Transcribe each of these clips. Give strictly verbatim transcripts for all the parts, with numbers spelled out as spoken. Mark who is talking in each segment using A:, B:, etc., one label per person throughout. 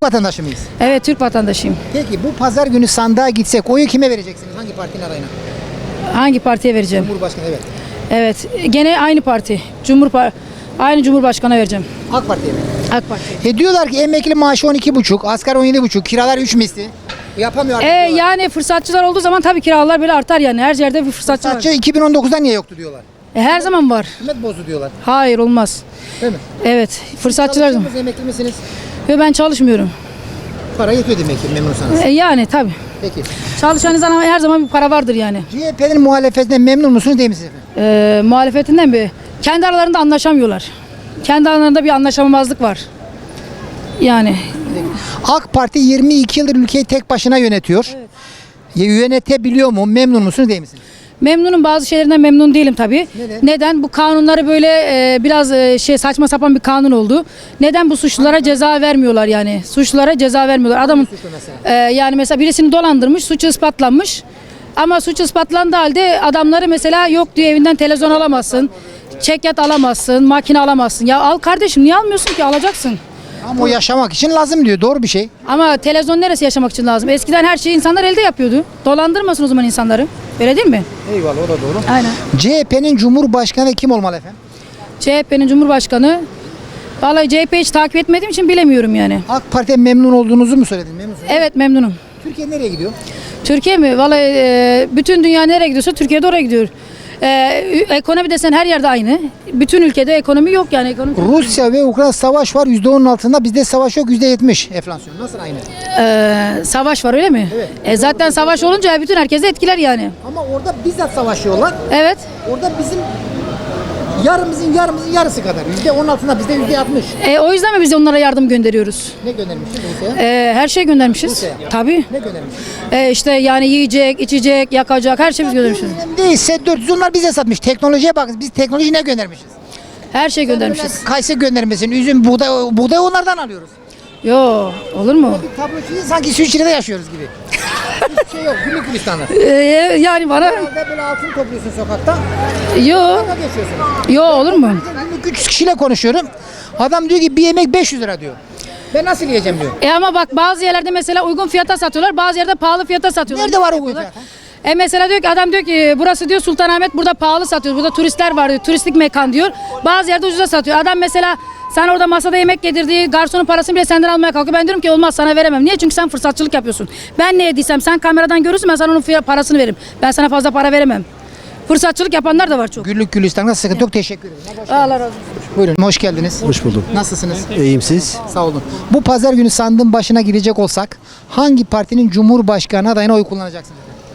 A: vatandaşı mıyız?
B: Evet, Türk vatandaşıyım.
A: Peki bu pazar günü sandığa gitsek oyu kime vereceksiniz? Hangi partinin adayına?
B: Hangi partiye vereceğim?
A: Cumhurbaşkanı, evet.
B: Evet, gene aynı parti. Cumhurpa aynı Cumhurbaşkanı'na vereceğim.
A: AK Parti'ye mi?
B: AK Parti.
A: E diyorlar ki emekli maaşı on iki buçuk, asgari on yedi buçuk, kiralar üç misli. Yapamıyor artık
B: E,
A: diyorlar.
B: yani fırsatçılar olduğu zaman tabii kiralar böyle artar yani. Her yerde bir fırsatçı
A: Sadece
B: var.
A: iki bin on dokuzda niye yoktu diyorlar.
B: E, her zaman var.
A: Hükümet bozdu diyorlar.
B: Hayır, olmaz.
A: Değil mi?
B: Evet, fırsatçılar.
A: Çalışıyor musunuz, emekli misiniz?
B: Ve ben çalışmıyorum.
A: Para yetiyor demek ki memnunsanız.
B: E, yani tabii.
A: Peki.
B: Çalışan insan her zaman bir para vardır yani.
A: C H P'nin muhalefetinden memnun musunuz değil misiniz efendim?
B: E, muhalefetinden mi? Kendi aralarında anlaşamıyorlar. Kendi aralarında bir anlaşamamazlık var. Yani
A: AK Parti yirmi iki yıldır ülkeyi tek başına yönetiyor.
B: Evet.
A: Ya, yönetebiliyor mu? Memnun musunuz değil misiniz?
B: memnunum, bazı şeylerinden memnun değilim tabii.
A: Neden?
B: Neden? Bu kanunları böyle e, biraz e, şey saçma sapan bir kanun oldu. Neden bu suçlulara ceza vermiyorlar yani? Suçlulara ceza vermiyorlar. Adamın
A: suçlu mesela?
B: e, yani mesela birisini dolandırmış, suçu ispatlanmış. Ama suç ispatlandığı halde adamları mesela yok diyor, evinden televizyon alamazsın. Çekyat alamazsın, makine alamazsın. Ya al kardeşim, niye almıyorsun ki? Alacaksın.
A: Ama o yaşamak için lazım diyor. Doğru bir şey.
B: Ama televizyon neresi yaşamak için lazım? Eskiden her şeyi insanlar elde yapıyordu. Dolandırmasın o zaman insanları. Öyle değil mi?
A: Eyvallah, o da doğru.
B: Aynen.
A: C H P'nin Cumhurbaşkanı kim olmalı efendim?
B: C H P'nin Cumhurbaşkanı, vallahi C H P'yi hiç takip etmediğim için bilemiyorum yani.
A: AK Parti'ye memnun olduğunuzu mu söyledin? Memnunsunuz.
B: Evet, memnunum.
A: Türkiye nereye gidiyor?
B: Türkiye mi? Vallahi e, bütün dünya nereye gidiyorsa Türkiye de oraya gidiyor. E, ekonomi desen her yerde aynı. Bütün ülkede ekonomi yok yani. Ekonomi...
A: Rusya ve Ukrayna savaş var. yüzde onun altında. Bizde savaş yok. yüzde yetmiş enflasyon. Nasıl aynı?
B: E, savaş var öyle mi?
A: Evet.
B: E, zaten savaş olunca bütün herkesi etkiler yani.
A: Ama orada bizzat savaşıyorlar.
B: Evet.
A: Orada bizim yarımızın yarımızın yarısı kadar. yüzde onun altında, bizde yüzde altmış.
B: E, o yüzden mi biz onlara yardım gönderiyoruz?
A: Ne göndermişiz Rusya'ya?
B: E, her şey göndermişiz.
A: Rusya'ya.
B: Tabii.
A: Ne göndermişiz?
B: E, işte yani yiyecek, içecek, yakacak her şey biz göndermişiz.
A: Önemli değil. S dört yüz onlar bize satmış. Teknolojiye bakın. Biz teknoloji ne göndermişiz?
B: Her şey göndermişiz.
A: Kayısı göndermesin. Üzüm, buğday, buğday onlardan alıyoruz.
B: Yo, olur mu?
A: Bir tablo çiziyor, sanki İsviçre'de yaşıyoruz gibi. Hiçbir şey yok. Güllük gülistanlık.
B: E, yani bana
A: Herhalde böyle altın topluyorsun sokakta.
B: yo,
A: Dalga geçiyorsunuz.
B: yo olur mu?
A: Günlük üç yüz kişiyle konuşuyorum. Adam diyor ki bir yemek beş yüz lira diyor. Ben nasıl yiyeceğim diyor.
B: E ama bak bazı yerlerde mesela uygun fiyata satıyorlar, bazı yerde pahalı fiyata satıyorlar.
A: Nerede var o
B: Yapıyorlar.
A: fiyat?
B: E mesela diyor ki adam diyor ki burası diyor Sultanahmet, burada pahalı satıyor. Burada turistler var diyor. Turistik mekan diyor. Bazı yerde ucuza satıyor. Adam mesela sen orada masada yemek yedirdiği garsonun parasını bile senden almaya kalkıyor. Ben diyorum ki olmaz, sana veremem. Niye? Çünkü sen fırsatçılık yapıyorsun. Ben ne yediysem sen kameradan görürsün, ben sana onun fiyat- parasını veririm. Ben sana fazla para veremem. Fırsatçılık yapanlar da var çok.
A: Güllük gülistanlık sıkıntı yok. Teşekkür ederim.
B: Allah razı olsun.
A: Buyurun. Hoş geldiniz.
C: Hoş bulduk.
A: Nasılsınız?
C: İyiyim siz?
A: Sağ olun. Bu pazar günü sandığın başına girecek olsak hangi partinin Cumhurbaşkanı adayına oy kullanacaksınız?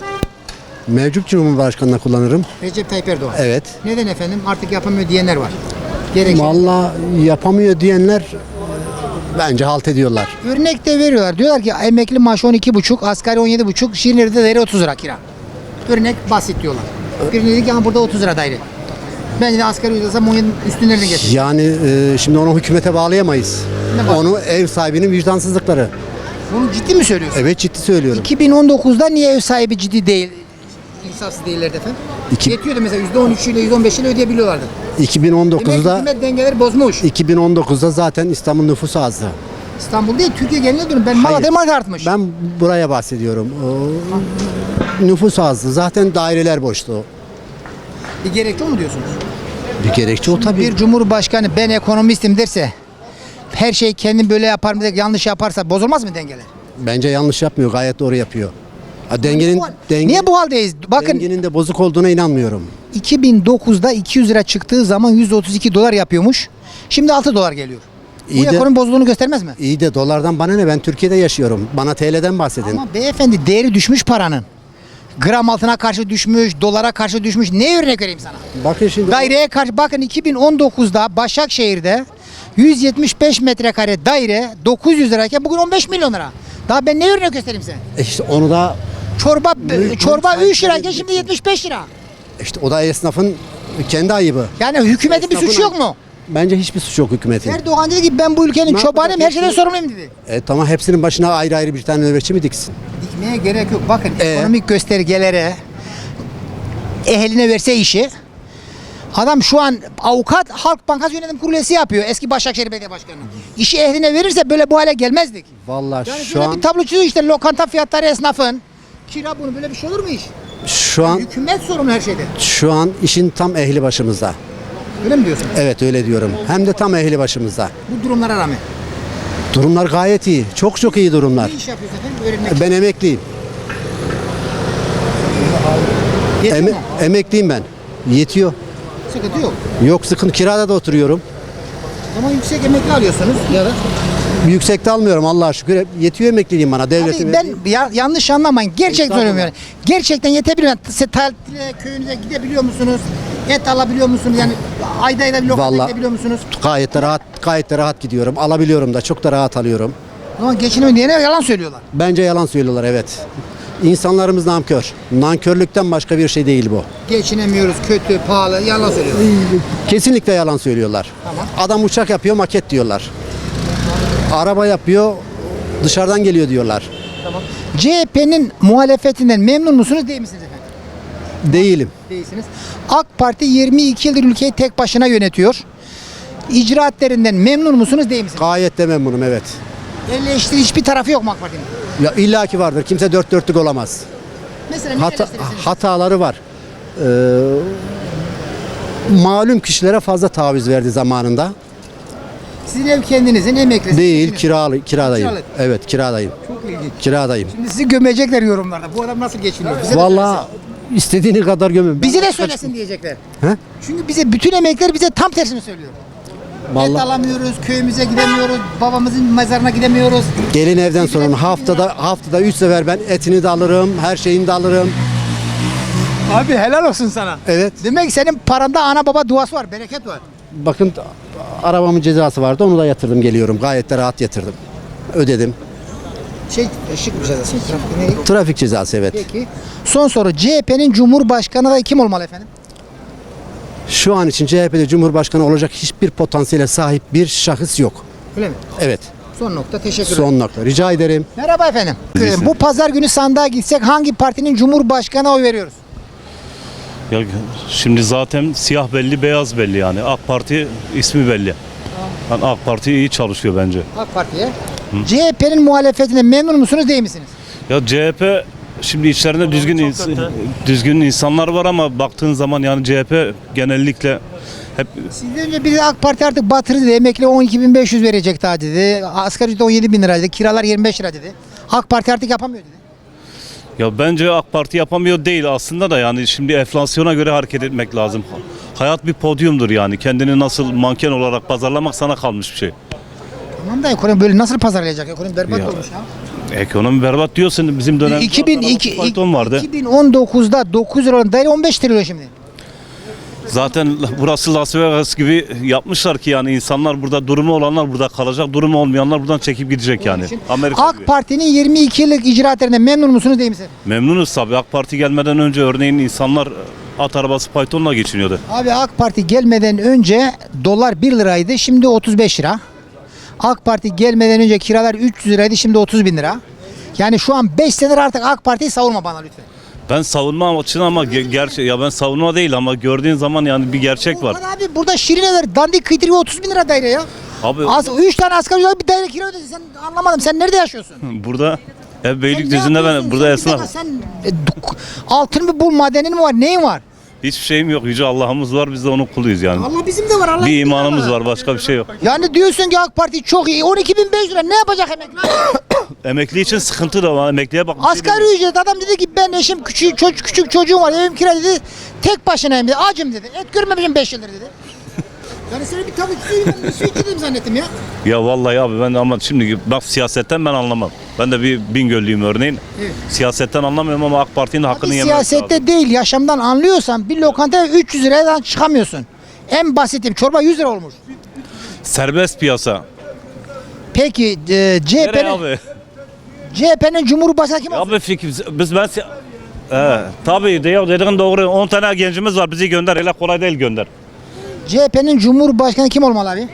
C: Mevcut Cumhurbaşkanı'na kullanırım.
A: Recep Tayyip Erdoğan.
C: Evet.
A: Neden efendim? Artık yapamıyor diyenler var. Gerekçe.
C: Vallahi yapamıyor diyenler e, bence halt ediyorlar.
A: Örnek de veriyorlar. Diyorlar ki emekli maaşı on iki buçuk, asgari on yedi buçuk, Şirinler'de daire otuz lira kira. Örnek basit diyorlar. Birini dedi ki ama burada otuz lira daire. Bence de asgari ücret on yedi üstünlerine geçer.
C: Yani e, şimdi onu hükümete bağlayamayız.
A: Ne var?
C: Onu ev sahibinin vicdansızlıkları.
A: Bunu ciddi mi söylüyorsun?
C: Evet, ciddi söylüyorum.
A: iki bin on dokuzda niye ev sahibi ciddi değil? İnsafsız değillerdi efendim.
C: İki-
A: Yetiyordu mesela yüzde on üç ile yüzde on beş ile ödeyebiliyorlardı. Demek ki
C: iki bin on dokuzda
A: hükümet dengeleri bozmuş.
C: iki bin on dokuzda zaten İstanbul nüfusu azdı.
A: İstanbul değil, Türkiye geneline dönün. Ben Malatya'ya marka artmış.
C: Ben buraya bahsediyorum. O, nüfus azdı. Zaten daireler boştu.
A: Bir gerekçe o mu diyorsunuz?
C: Bir gerekçe o tabii.
A: Bir cumhurbaşkanı ben ekonomistim derse, her şey kendim böyle yaparım diye yanlış yaparsa bozulmaz mı dengeler?
C: Bence yanlış yapmıyor. Gayet doğru yapıyor. Ha, dengenin,
A: Bu-
C: denge-
A: Niye bu haldeyiz? Bakın
C: dengenin de bozuk olduğuna inanmıyorum.
A: iki bin dokuzda iki yüz lira çıktığı zaman yüz otuz iki dolar yapıyormuş. Şimdi altı dolar geliyor.
C: İyi
A: bu
C: de-
A: ekonomi bozulduğunu göstermez mi?
C: İyi de dolardan bana ne? Ben Türkiye'de yaşıyorum. Bana T L'den bahsedin.
A: Ama beyefendi değeri düşmüş paranın. Gram altına karşı düşmüş, dolara karşı düşmüş. Ne örnek vereyim sana?
C: Bakın şimdi.
A: Daireye karşı bakın iki bin on dokuzda Başakşehir'de yüz yetmiş beş metrekare daire dokuz yüz lirayken bugün on beş milyon lira. Daha ben ne örnek göstereyim size?
C: E İşte onu da
A: Çorba
C: Mülk-
A: çorba
C: mülk
A: üç lirayken
C: sahipleri
A: şimdi yetmiş beş lira.
C: işte o da esnafın kendi ayıbı.
A: Yani hükümetin bir
C: Esnafın
A: suçu yok
C: ayıbı.
A: mu?
C: Bence hiçbir suç yok hükümetin.
A: Erdoğan dedi ki ben bu ülkenin
C: Ne
A: çobanıyım, her
C: yapacak?
A: şeyden sorumluyum dedi.
C: E tamam, hepsinin başına ayrı ayrı bir tane nöbetçi mi diksin?
A: Dikmeye gerek yok. Bakın
C: Ee?
A: ekonomik göstergelere ehline verse işi Adam şu an avukat Halk Bankası Yönetim Kurulu üyesi yapıyor. Eski Başakşehir Belediye Başkanı. İşi ehline verirse böyle bu hale gelmezdik.
C: Vallahi
A: Yani
C: şu
A: şöyle
C: an
A: bir tablo çiziyor işte lokanta fiyatları esnafın. Kira bunu böyle bir şey olur mu iş?
C: şu an
A: Hükümet sorumlu her şeyde.
C: şu an işin tam ehli başımızda.
A: Öyle mi diyorsun?
C: Evet öyle diyorum. Hem de tam ehli başımızda.
A: Bu durumlara rağmen.
C: Durumlar gayet iyi. Çok çok iyi durumlar.
A: Ne iş yapıyorsun efendim? Öğrenmek.
C: Ben emekliyim.
A: Yetiyor
C: Eme-
A: mu?
C: emekliyim ben. Yetiyor.
A: Sıkıntı yok.
C: Yok sıkıntı, kirada da oturuyorum.
A: Ama yüksek emekli alıyorsunuz ya da.
C: Yüksekte almıyorum Allah'a şükür. Hep yetiyor emekliliğim bana. Devletin
A: Abi ben ya, yanlış anlamayın. Gerçekten söylüyorum yani. Gerçekten yetebiliyor. Yani siz tatile köyünüze gidebiliyor musunuz? Et alabiliyor musunuz? Yani ayda ayda bir lokanta
C: Vallahi-
A: gidebiliyor musunuz?
C: gayet de rahat gayet de rahat gidiyorum. Alabiliyorum da, çok da rahat alıyorum.
A: Ama geçinemiyor diyene yalan söylüyorlar.
C: Bence yalan söylüyorlar, evet. İnsanlarımız nankör. Nankörlükten başka bir şey değil bu.
A: Geçinemiyoruz, kötü, pahalı, yalan söylüyorlar.
C: Kesinlikle yalan söylüyorlar.
A: Tamam.
C: Adam uçak yapıyor, maket diyorlar. Araba yapıyor, dışarıdan geliyor diyorlar.
A: C H P'nin muhalefetinden memnun musunuz değil misiniz efendim?
C: Değilim.
A: Değilsiniz. AK Parti yirmi iki yıldır ülkeyi tek başına yönetiyor. İcraatlerinden memnun musunuz değil misiniz?
C: Gayet de memnunum, evet.
A: Eleştiri hiçbir tarafı yok mu AK Parti'nin?
C: Ya illaki vardır. Kimse dört dörtlük olamaz.
A: Mesela ne
C: Hata,
A: eleştirirsiniz?
C: hataları var. Ee, malum kişilere fazla taviz verdi zamanında.
A: Sizin ev kendinizin emeklisi.
C: Değil, kiralı, kiradayım.
A: Kiralık.
C: Evet, kiradayım.
A: Çok ilginç.
C: Kiradayım.
A: Şimdi sizi gömecekler yorumlarda. Bu adam nasıl geçiniyor? Bize de
C: Vallahi istediğini kadar gömün.
A: söylesin. Bize de söylesin diyecekler.
C: He?
A: Çünkü bize bütün emekler bize tam tersini söylüyor. Et
C: Vallahi
A: alamıyoruz, köyümüze gidemiyoruz, babamızın mezarına gidemiyoruz.
C: gelin evden sonra haftada haftada üç sefer ben etini de alırım, her şeyini de alırım.
A: Abi helal olsun sana.
C: Evet.
A: Demek ki senin paranda ana baba duası var, bereket var.
C: Bakın arabamın cezası vardı, onu da yatırdım geliyorum. Gayet de rahat yatırdım. Ödedim.
A: Şey, şık bir şey. Trafik ne?
C: Trafik cezası, evet.
A: Peki. Son soru. C H P'nin Cumhurbaşkanı da kim olmalı efendim?
C: Şu an için C H P'de Cumhurbaşkanı olacak hiçbir potansiyele sahip bir şahıs yok.
A: Öyle mi?
C: Evet.
A: Son nokta. Teşekkür ederim.
C: Son nokta. Rica ederim.
A: Merhaba efendim. Bu pazar günü sandığa gitsek hangi partinin Cumhurbaşkanı oy veriyoruz?
D: Ya şimdi zaten siyah belli, beyaz belli yani. AK Parti ismi belli. Yani AK Parti iyi çalışıyor bence.
A: AK Parti'ye. C H P'nin muhalefetine memnun musunuz değil misiniz?
D: Ya C H P şimdi içlerinde düzgün ins- düzgün insanlar var ama baktığın zaman yani C H P genellikle hep
A: Sizden önce biri AK Parti artık batırdı dedi. Emekli on iki bin beş yüz verecek daha dedi. Asgari ücret on yedi bin lira dedi. Kiralar yirmi beş lira dedi. AK Parti artık yapamıyor dedi.
D: ya bence AK Parti yapamıyor değil aslında da yani şimdi enflasyona göre hareket etmek lazım. Hayat bir podyumdur yani. Kendini nasıl manken olarak pazarlamak sana kalmış bir şey.
A: Tamam da ekonomi böyle nasıl pazarlayacak? Ekonomi berbat
D: Ya.
A: olmuş ya.
D: Ekonomi berbat diyorsun bizim dönemde.
A: iki bin iki,
D: fayton vardı.
A: iki bin on dokuzda dokuz lira olan daire on beş trilyon şimdi.
D: Zaten burası Las Vegas gibi yapmışlar ki yani insanlar burada, durumu olanlar burada kalacak, durumu olmayanlar buradan çekip gidecek yani.
A: Için
D: Amerika gibi.
A: AK Parti'nin yirmi iki yıllık icraatlerinden memnun musunuz değil misiniz?
D: Memnunuz tabii. AK Parti gelmeden önce örneğin insanlar at arabası faytonla geçiniyordu.
A: Abi AK Parti gelmeden önce dolar bir liraydı, şimdi otuz beş lira. AK Parti gelmeden önce kiralar üç yüz liraydı, şimdi otuz bin lira. Yani şu an beş senedir artık AK Parti'yi savunma bana lütfen.
D: Ben savunma için ama ge- gerçi ya ben savunma değil ama gördüğün zaman yani bir gerçek var.
A: Ulan abi burada Şirineler dandik kıytırıyor otuz bin lira daire ya.
D: Abi
A: Az üç tane asgari ücret bir daire kira ödedi. Sen anlamadım. Sen nerede yaşıyorsun?
D: burada ev
A: Sen ne
D: Beylikdüzü'nde ben
A: yapıyorsun?
D: burada
A: Sen bir
D: esnaf.
A: dakika, Sen e, duk- altın mı bul, madenin mi var? Neyin var?
D: Hiçbir şeyim yok. Yüce Allah'ımız var. Biz de onun kuluyuz yani.
A: Allah bizim de var. Allah
D: Bir
A: bizim de
D: imanımız var. Başka bir şey yok.
A: Yani diyorsun ki AK Parti çok iyi. on iki bin beş yüz lira ne yapacak emekli?
D: Emekli için sıkıntı da var. Emekliye bak. bir şey
A: Asgari
D: demiyorum.
A: ücret adam dedi ki ben eşim küçük çocuk küçük çocuğum var evim kira dedi. Tek başınayım dedi. Acım dedi. Et görmemişim beş yıldır dedi. Yani seni bir tavuk suyum bir su içirdim zannettim ya.
D: Ya vallahi abi ben ama şimdi bak siyasetten ben anlamam. Ben de bir Bingöllüyüm örneğin.
A: Evet.
D: Siyasetten anlamıyorum ama AK Parti'nin hakkını
A: Abi
D: yemek lazım.
A: siyasette değil yaşamdan anlıyorsan bir lokantaya üç yüz liradan çıkamıyorsun. En basitim çorba yüz lira olmuş.
D: Serbest piyasa.
A: Peki e,
D: Nereye
A: C H P'nin
D: abi?
A: C H P'nin Cumhurbaşkanı kim olsun?
D: Abi fikir biz ben si- He, tabii de ya dediğin doğru. on tane gencimiz var bizi gönder. Öyle kolay değil gönder.
A: C H P'nin Cumhurbaşkanı kim olmalı abi?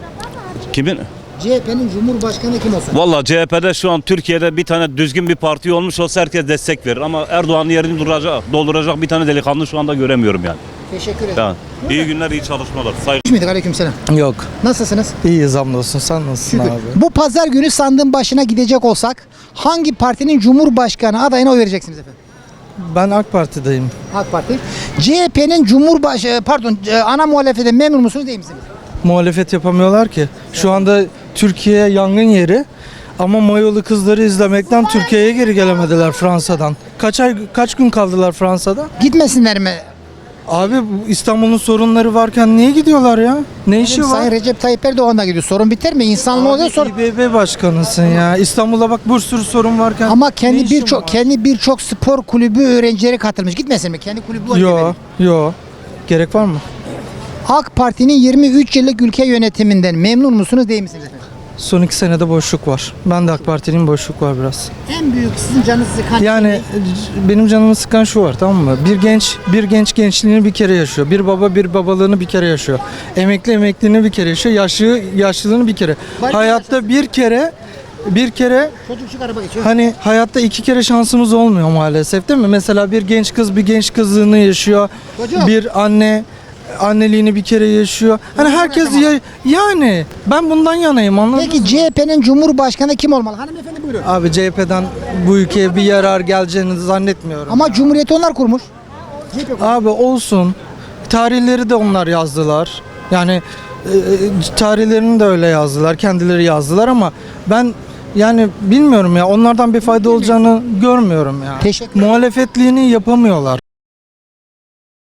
D: Kimin?
A: C H P'nin Cumhurbaşkanı kim olsun?
D: Vallahi C H P'de şu an Türkiye'de bir tane düzgün bir parti olmuş olsa herkes destek verir. Ama Erdoğan'ın yerini duracak, dolduracak bir tane delikanlı şu anda göremiyorum yani.
A: Teşekkür ederim.
D: Yani, iyi günler, iyi çalışmalar. Saygı.
A: Hoş muyduk? Aleykümselam.
E: Yok.
A: Nasılsınız?
E: İyiyiz hamdolsun. Sen nasılsın
A: Şükür.
E: abi?
A: Bu pazar günü sandığın başına gidecek olsak hangi partinin Cumhurbaşkanı adayına oy vereceksiniz efendim?
E: Ben AK Parti'deyim.
A: AK Parti. C H P'nin Cumhurbaşkanı pardon e, ana muhalefetinden memnun musunuz değil misiniz?
E: Muhalefet yapamıyorlar ki. Şu anda Türkiye yangın yeri. Ama Mayolu kızları izlemekten Türkiye'ye geri gelemediler Fransa'dan. Kaç ay kaç gün kaldılar Fransa'da?
A: Gitmesinler mi?
E: Abi bu İstanbul'un sorunları varken niye gidiyorlar ya? Ne işi var?
A: Sayın Recep Tayyip Erdoğan da gidiyor. Sorun biter mi? İnsanlığı oluyor sorun.
E: İ B B başkanısın ya. İstanbul'da bak bir sürü sorun varken.
A: Ama
E: ne
A: kendi
E: işin
A: birçok
E: var?
A: kendi birçok spor kulübü öğrencileri katılmış. Gitmesin mi? Kendi kulübü var.
E: Yo, yo. Gerek var mı?
A: AK Parti'nin yirmi üç yıllık ülke yönetiminden memnun musunuz değil misiniz efendim?
E: Son iki senede boşluk var. Ben de AK Parti'nin boşluk var biraz.
A: En büyük sizin canınızı sıkan
E: Yani
A: şey ne?
E: benim canımı sıkan şu var, tamam mı? Bir genç bir genç gençliğini bir kere yaşıyor. Bir baba bir babalığını bir kere yaşıyor. Emekli emekliliğini bir kere yaşıyor. Yaşlı yaşlılığını bir kere.
A: Bari
E: Hayatta bir kere bir kere
A: Çocuk araba geçiyor.
E: hani hayatta iki kere şansımız olmuyor maalesef, değil mi? Mesela bir genç kız bir genç kızlığını yaşıyor.
A: Çocuk.
E: Bir anne anneliğini bir kere yaşıyor. Hani herkes ya, yani ben bundan yanayım, anladın mı?
A: Peki C H P'nin Cumhurbaşkanı kim olmalı? Hanımefendi buyurun.
E: Abi C H P'den bu ülkeye bir yarar geleceğini zannetmiyorum.
A: Ama Cumhuriyeti onlar kurmuş. C H P kurmuş.
E: Abi olsun. Tarihleri de onlar yazdılar. Yani e, tarihlerini de öyle yazdılar. Kendileri yazdılar ama ben yani bilmiyorum ya, onlardan bir fayda olacağını görmüyorum ya.
A: Teşekkür ederim.
E: Muhalefetliğini yapamıyorlar.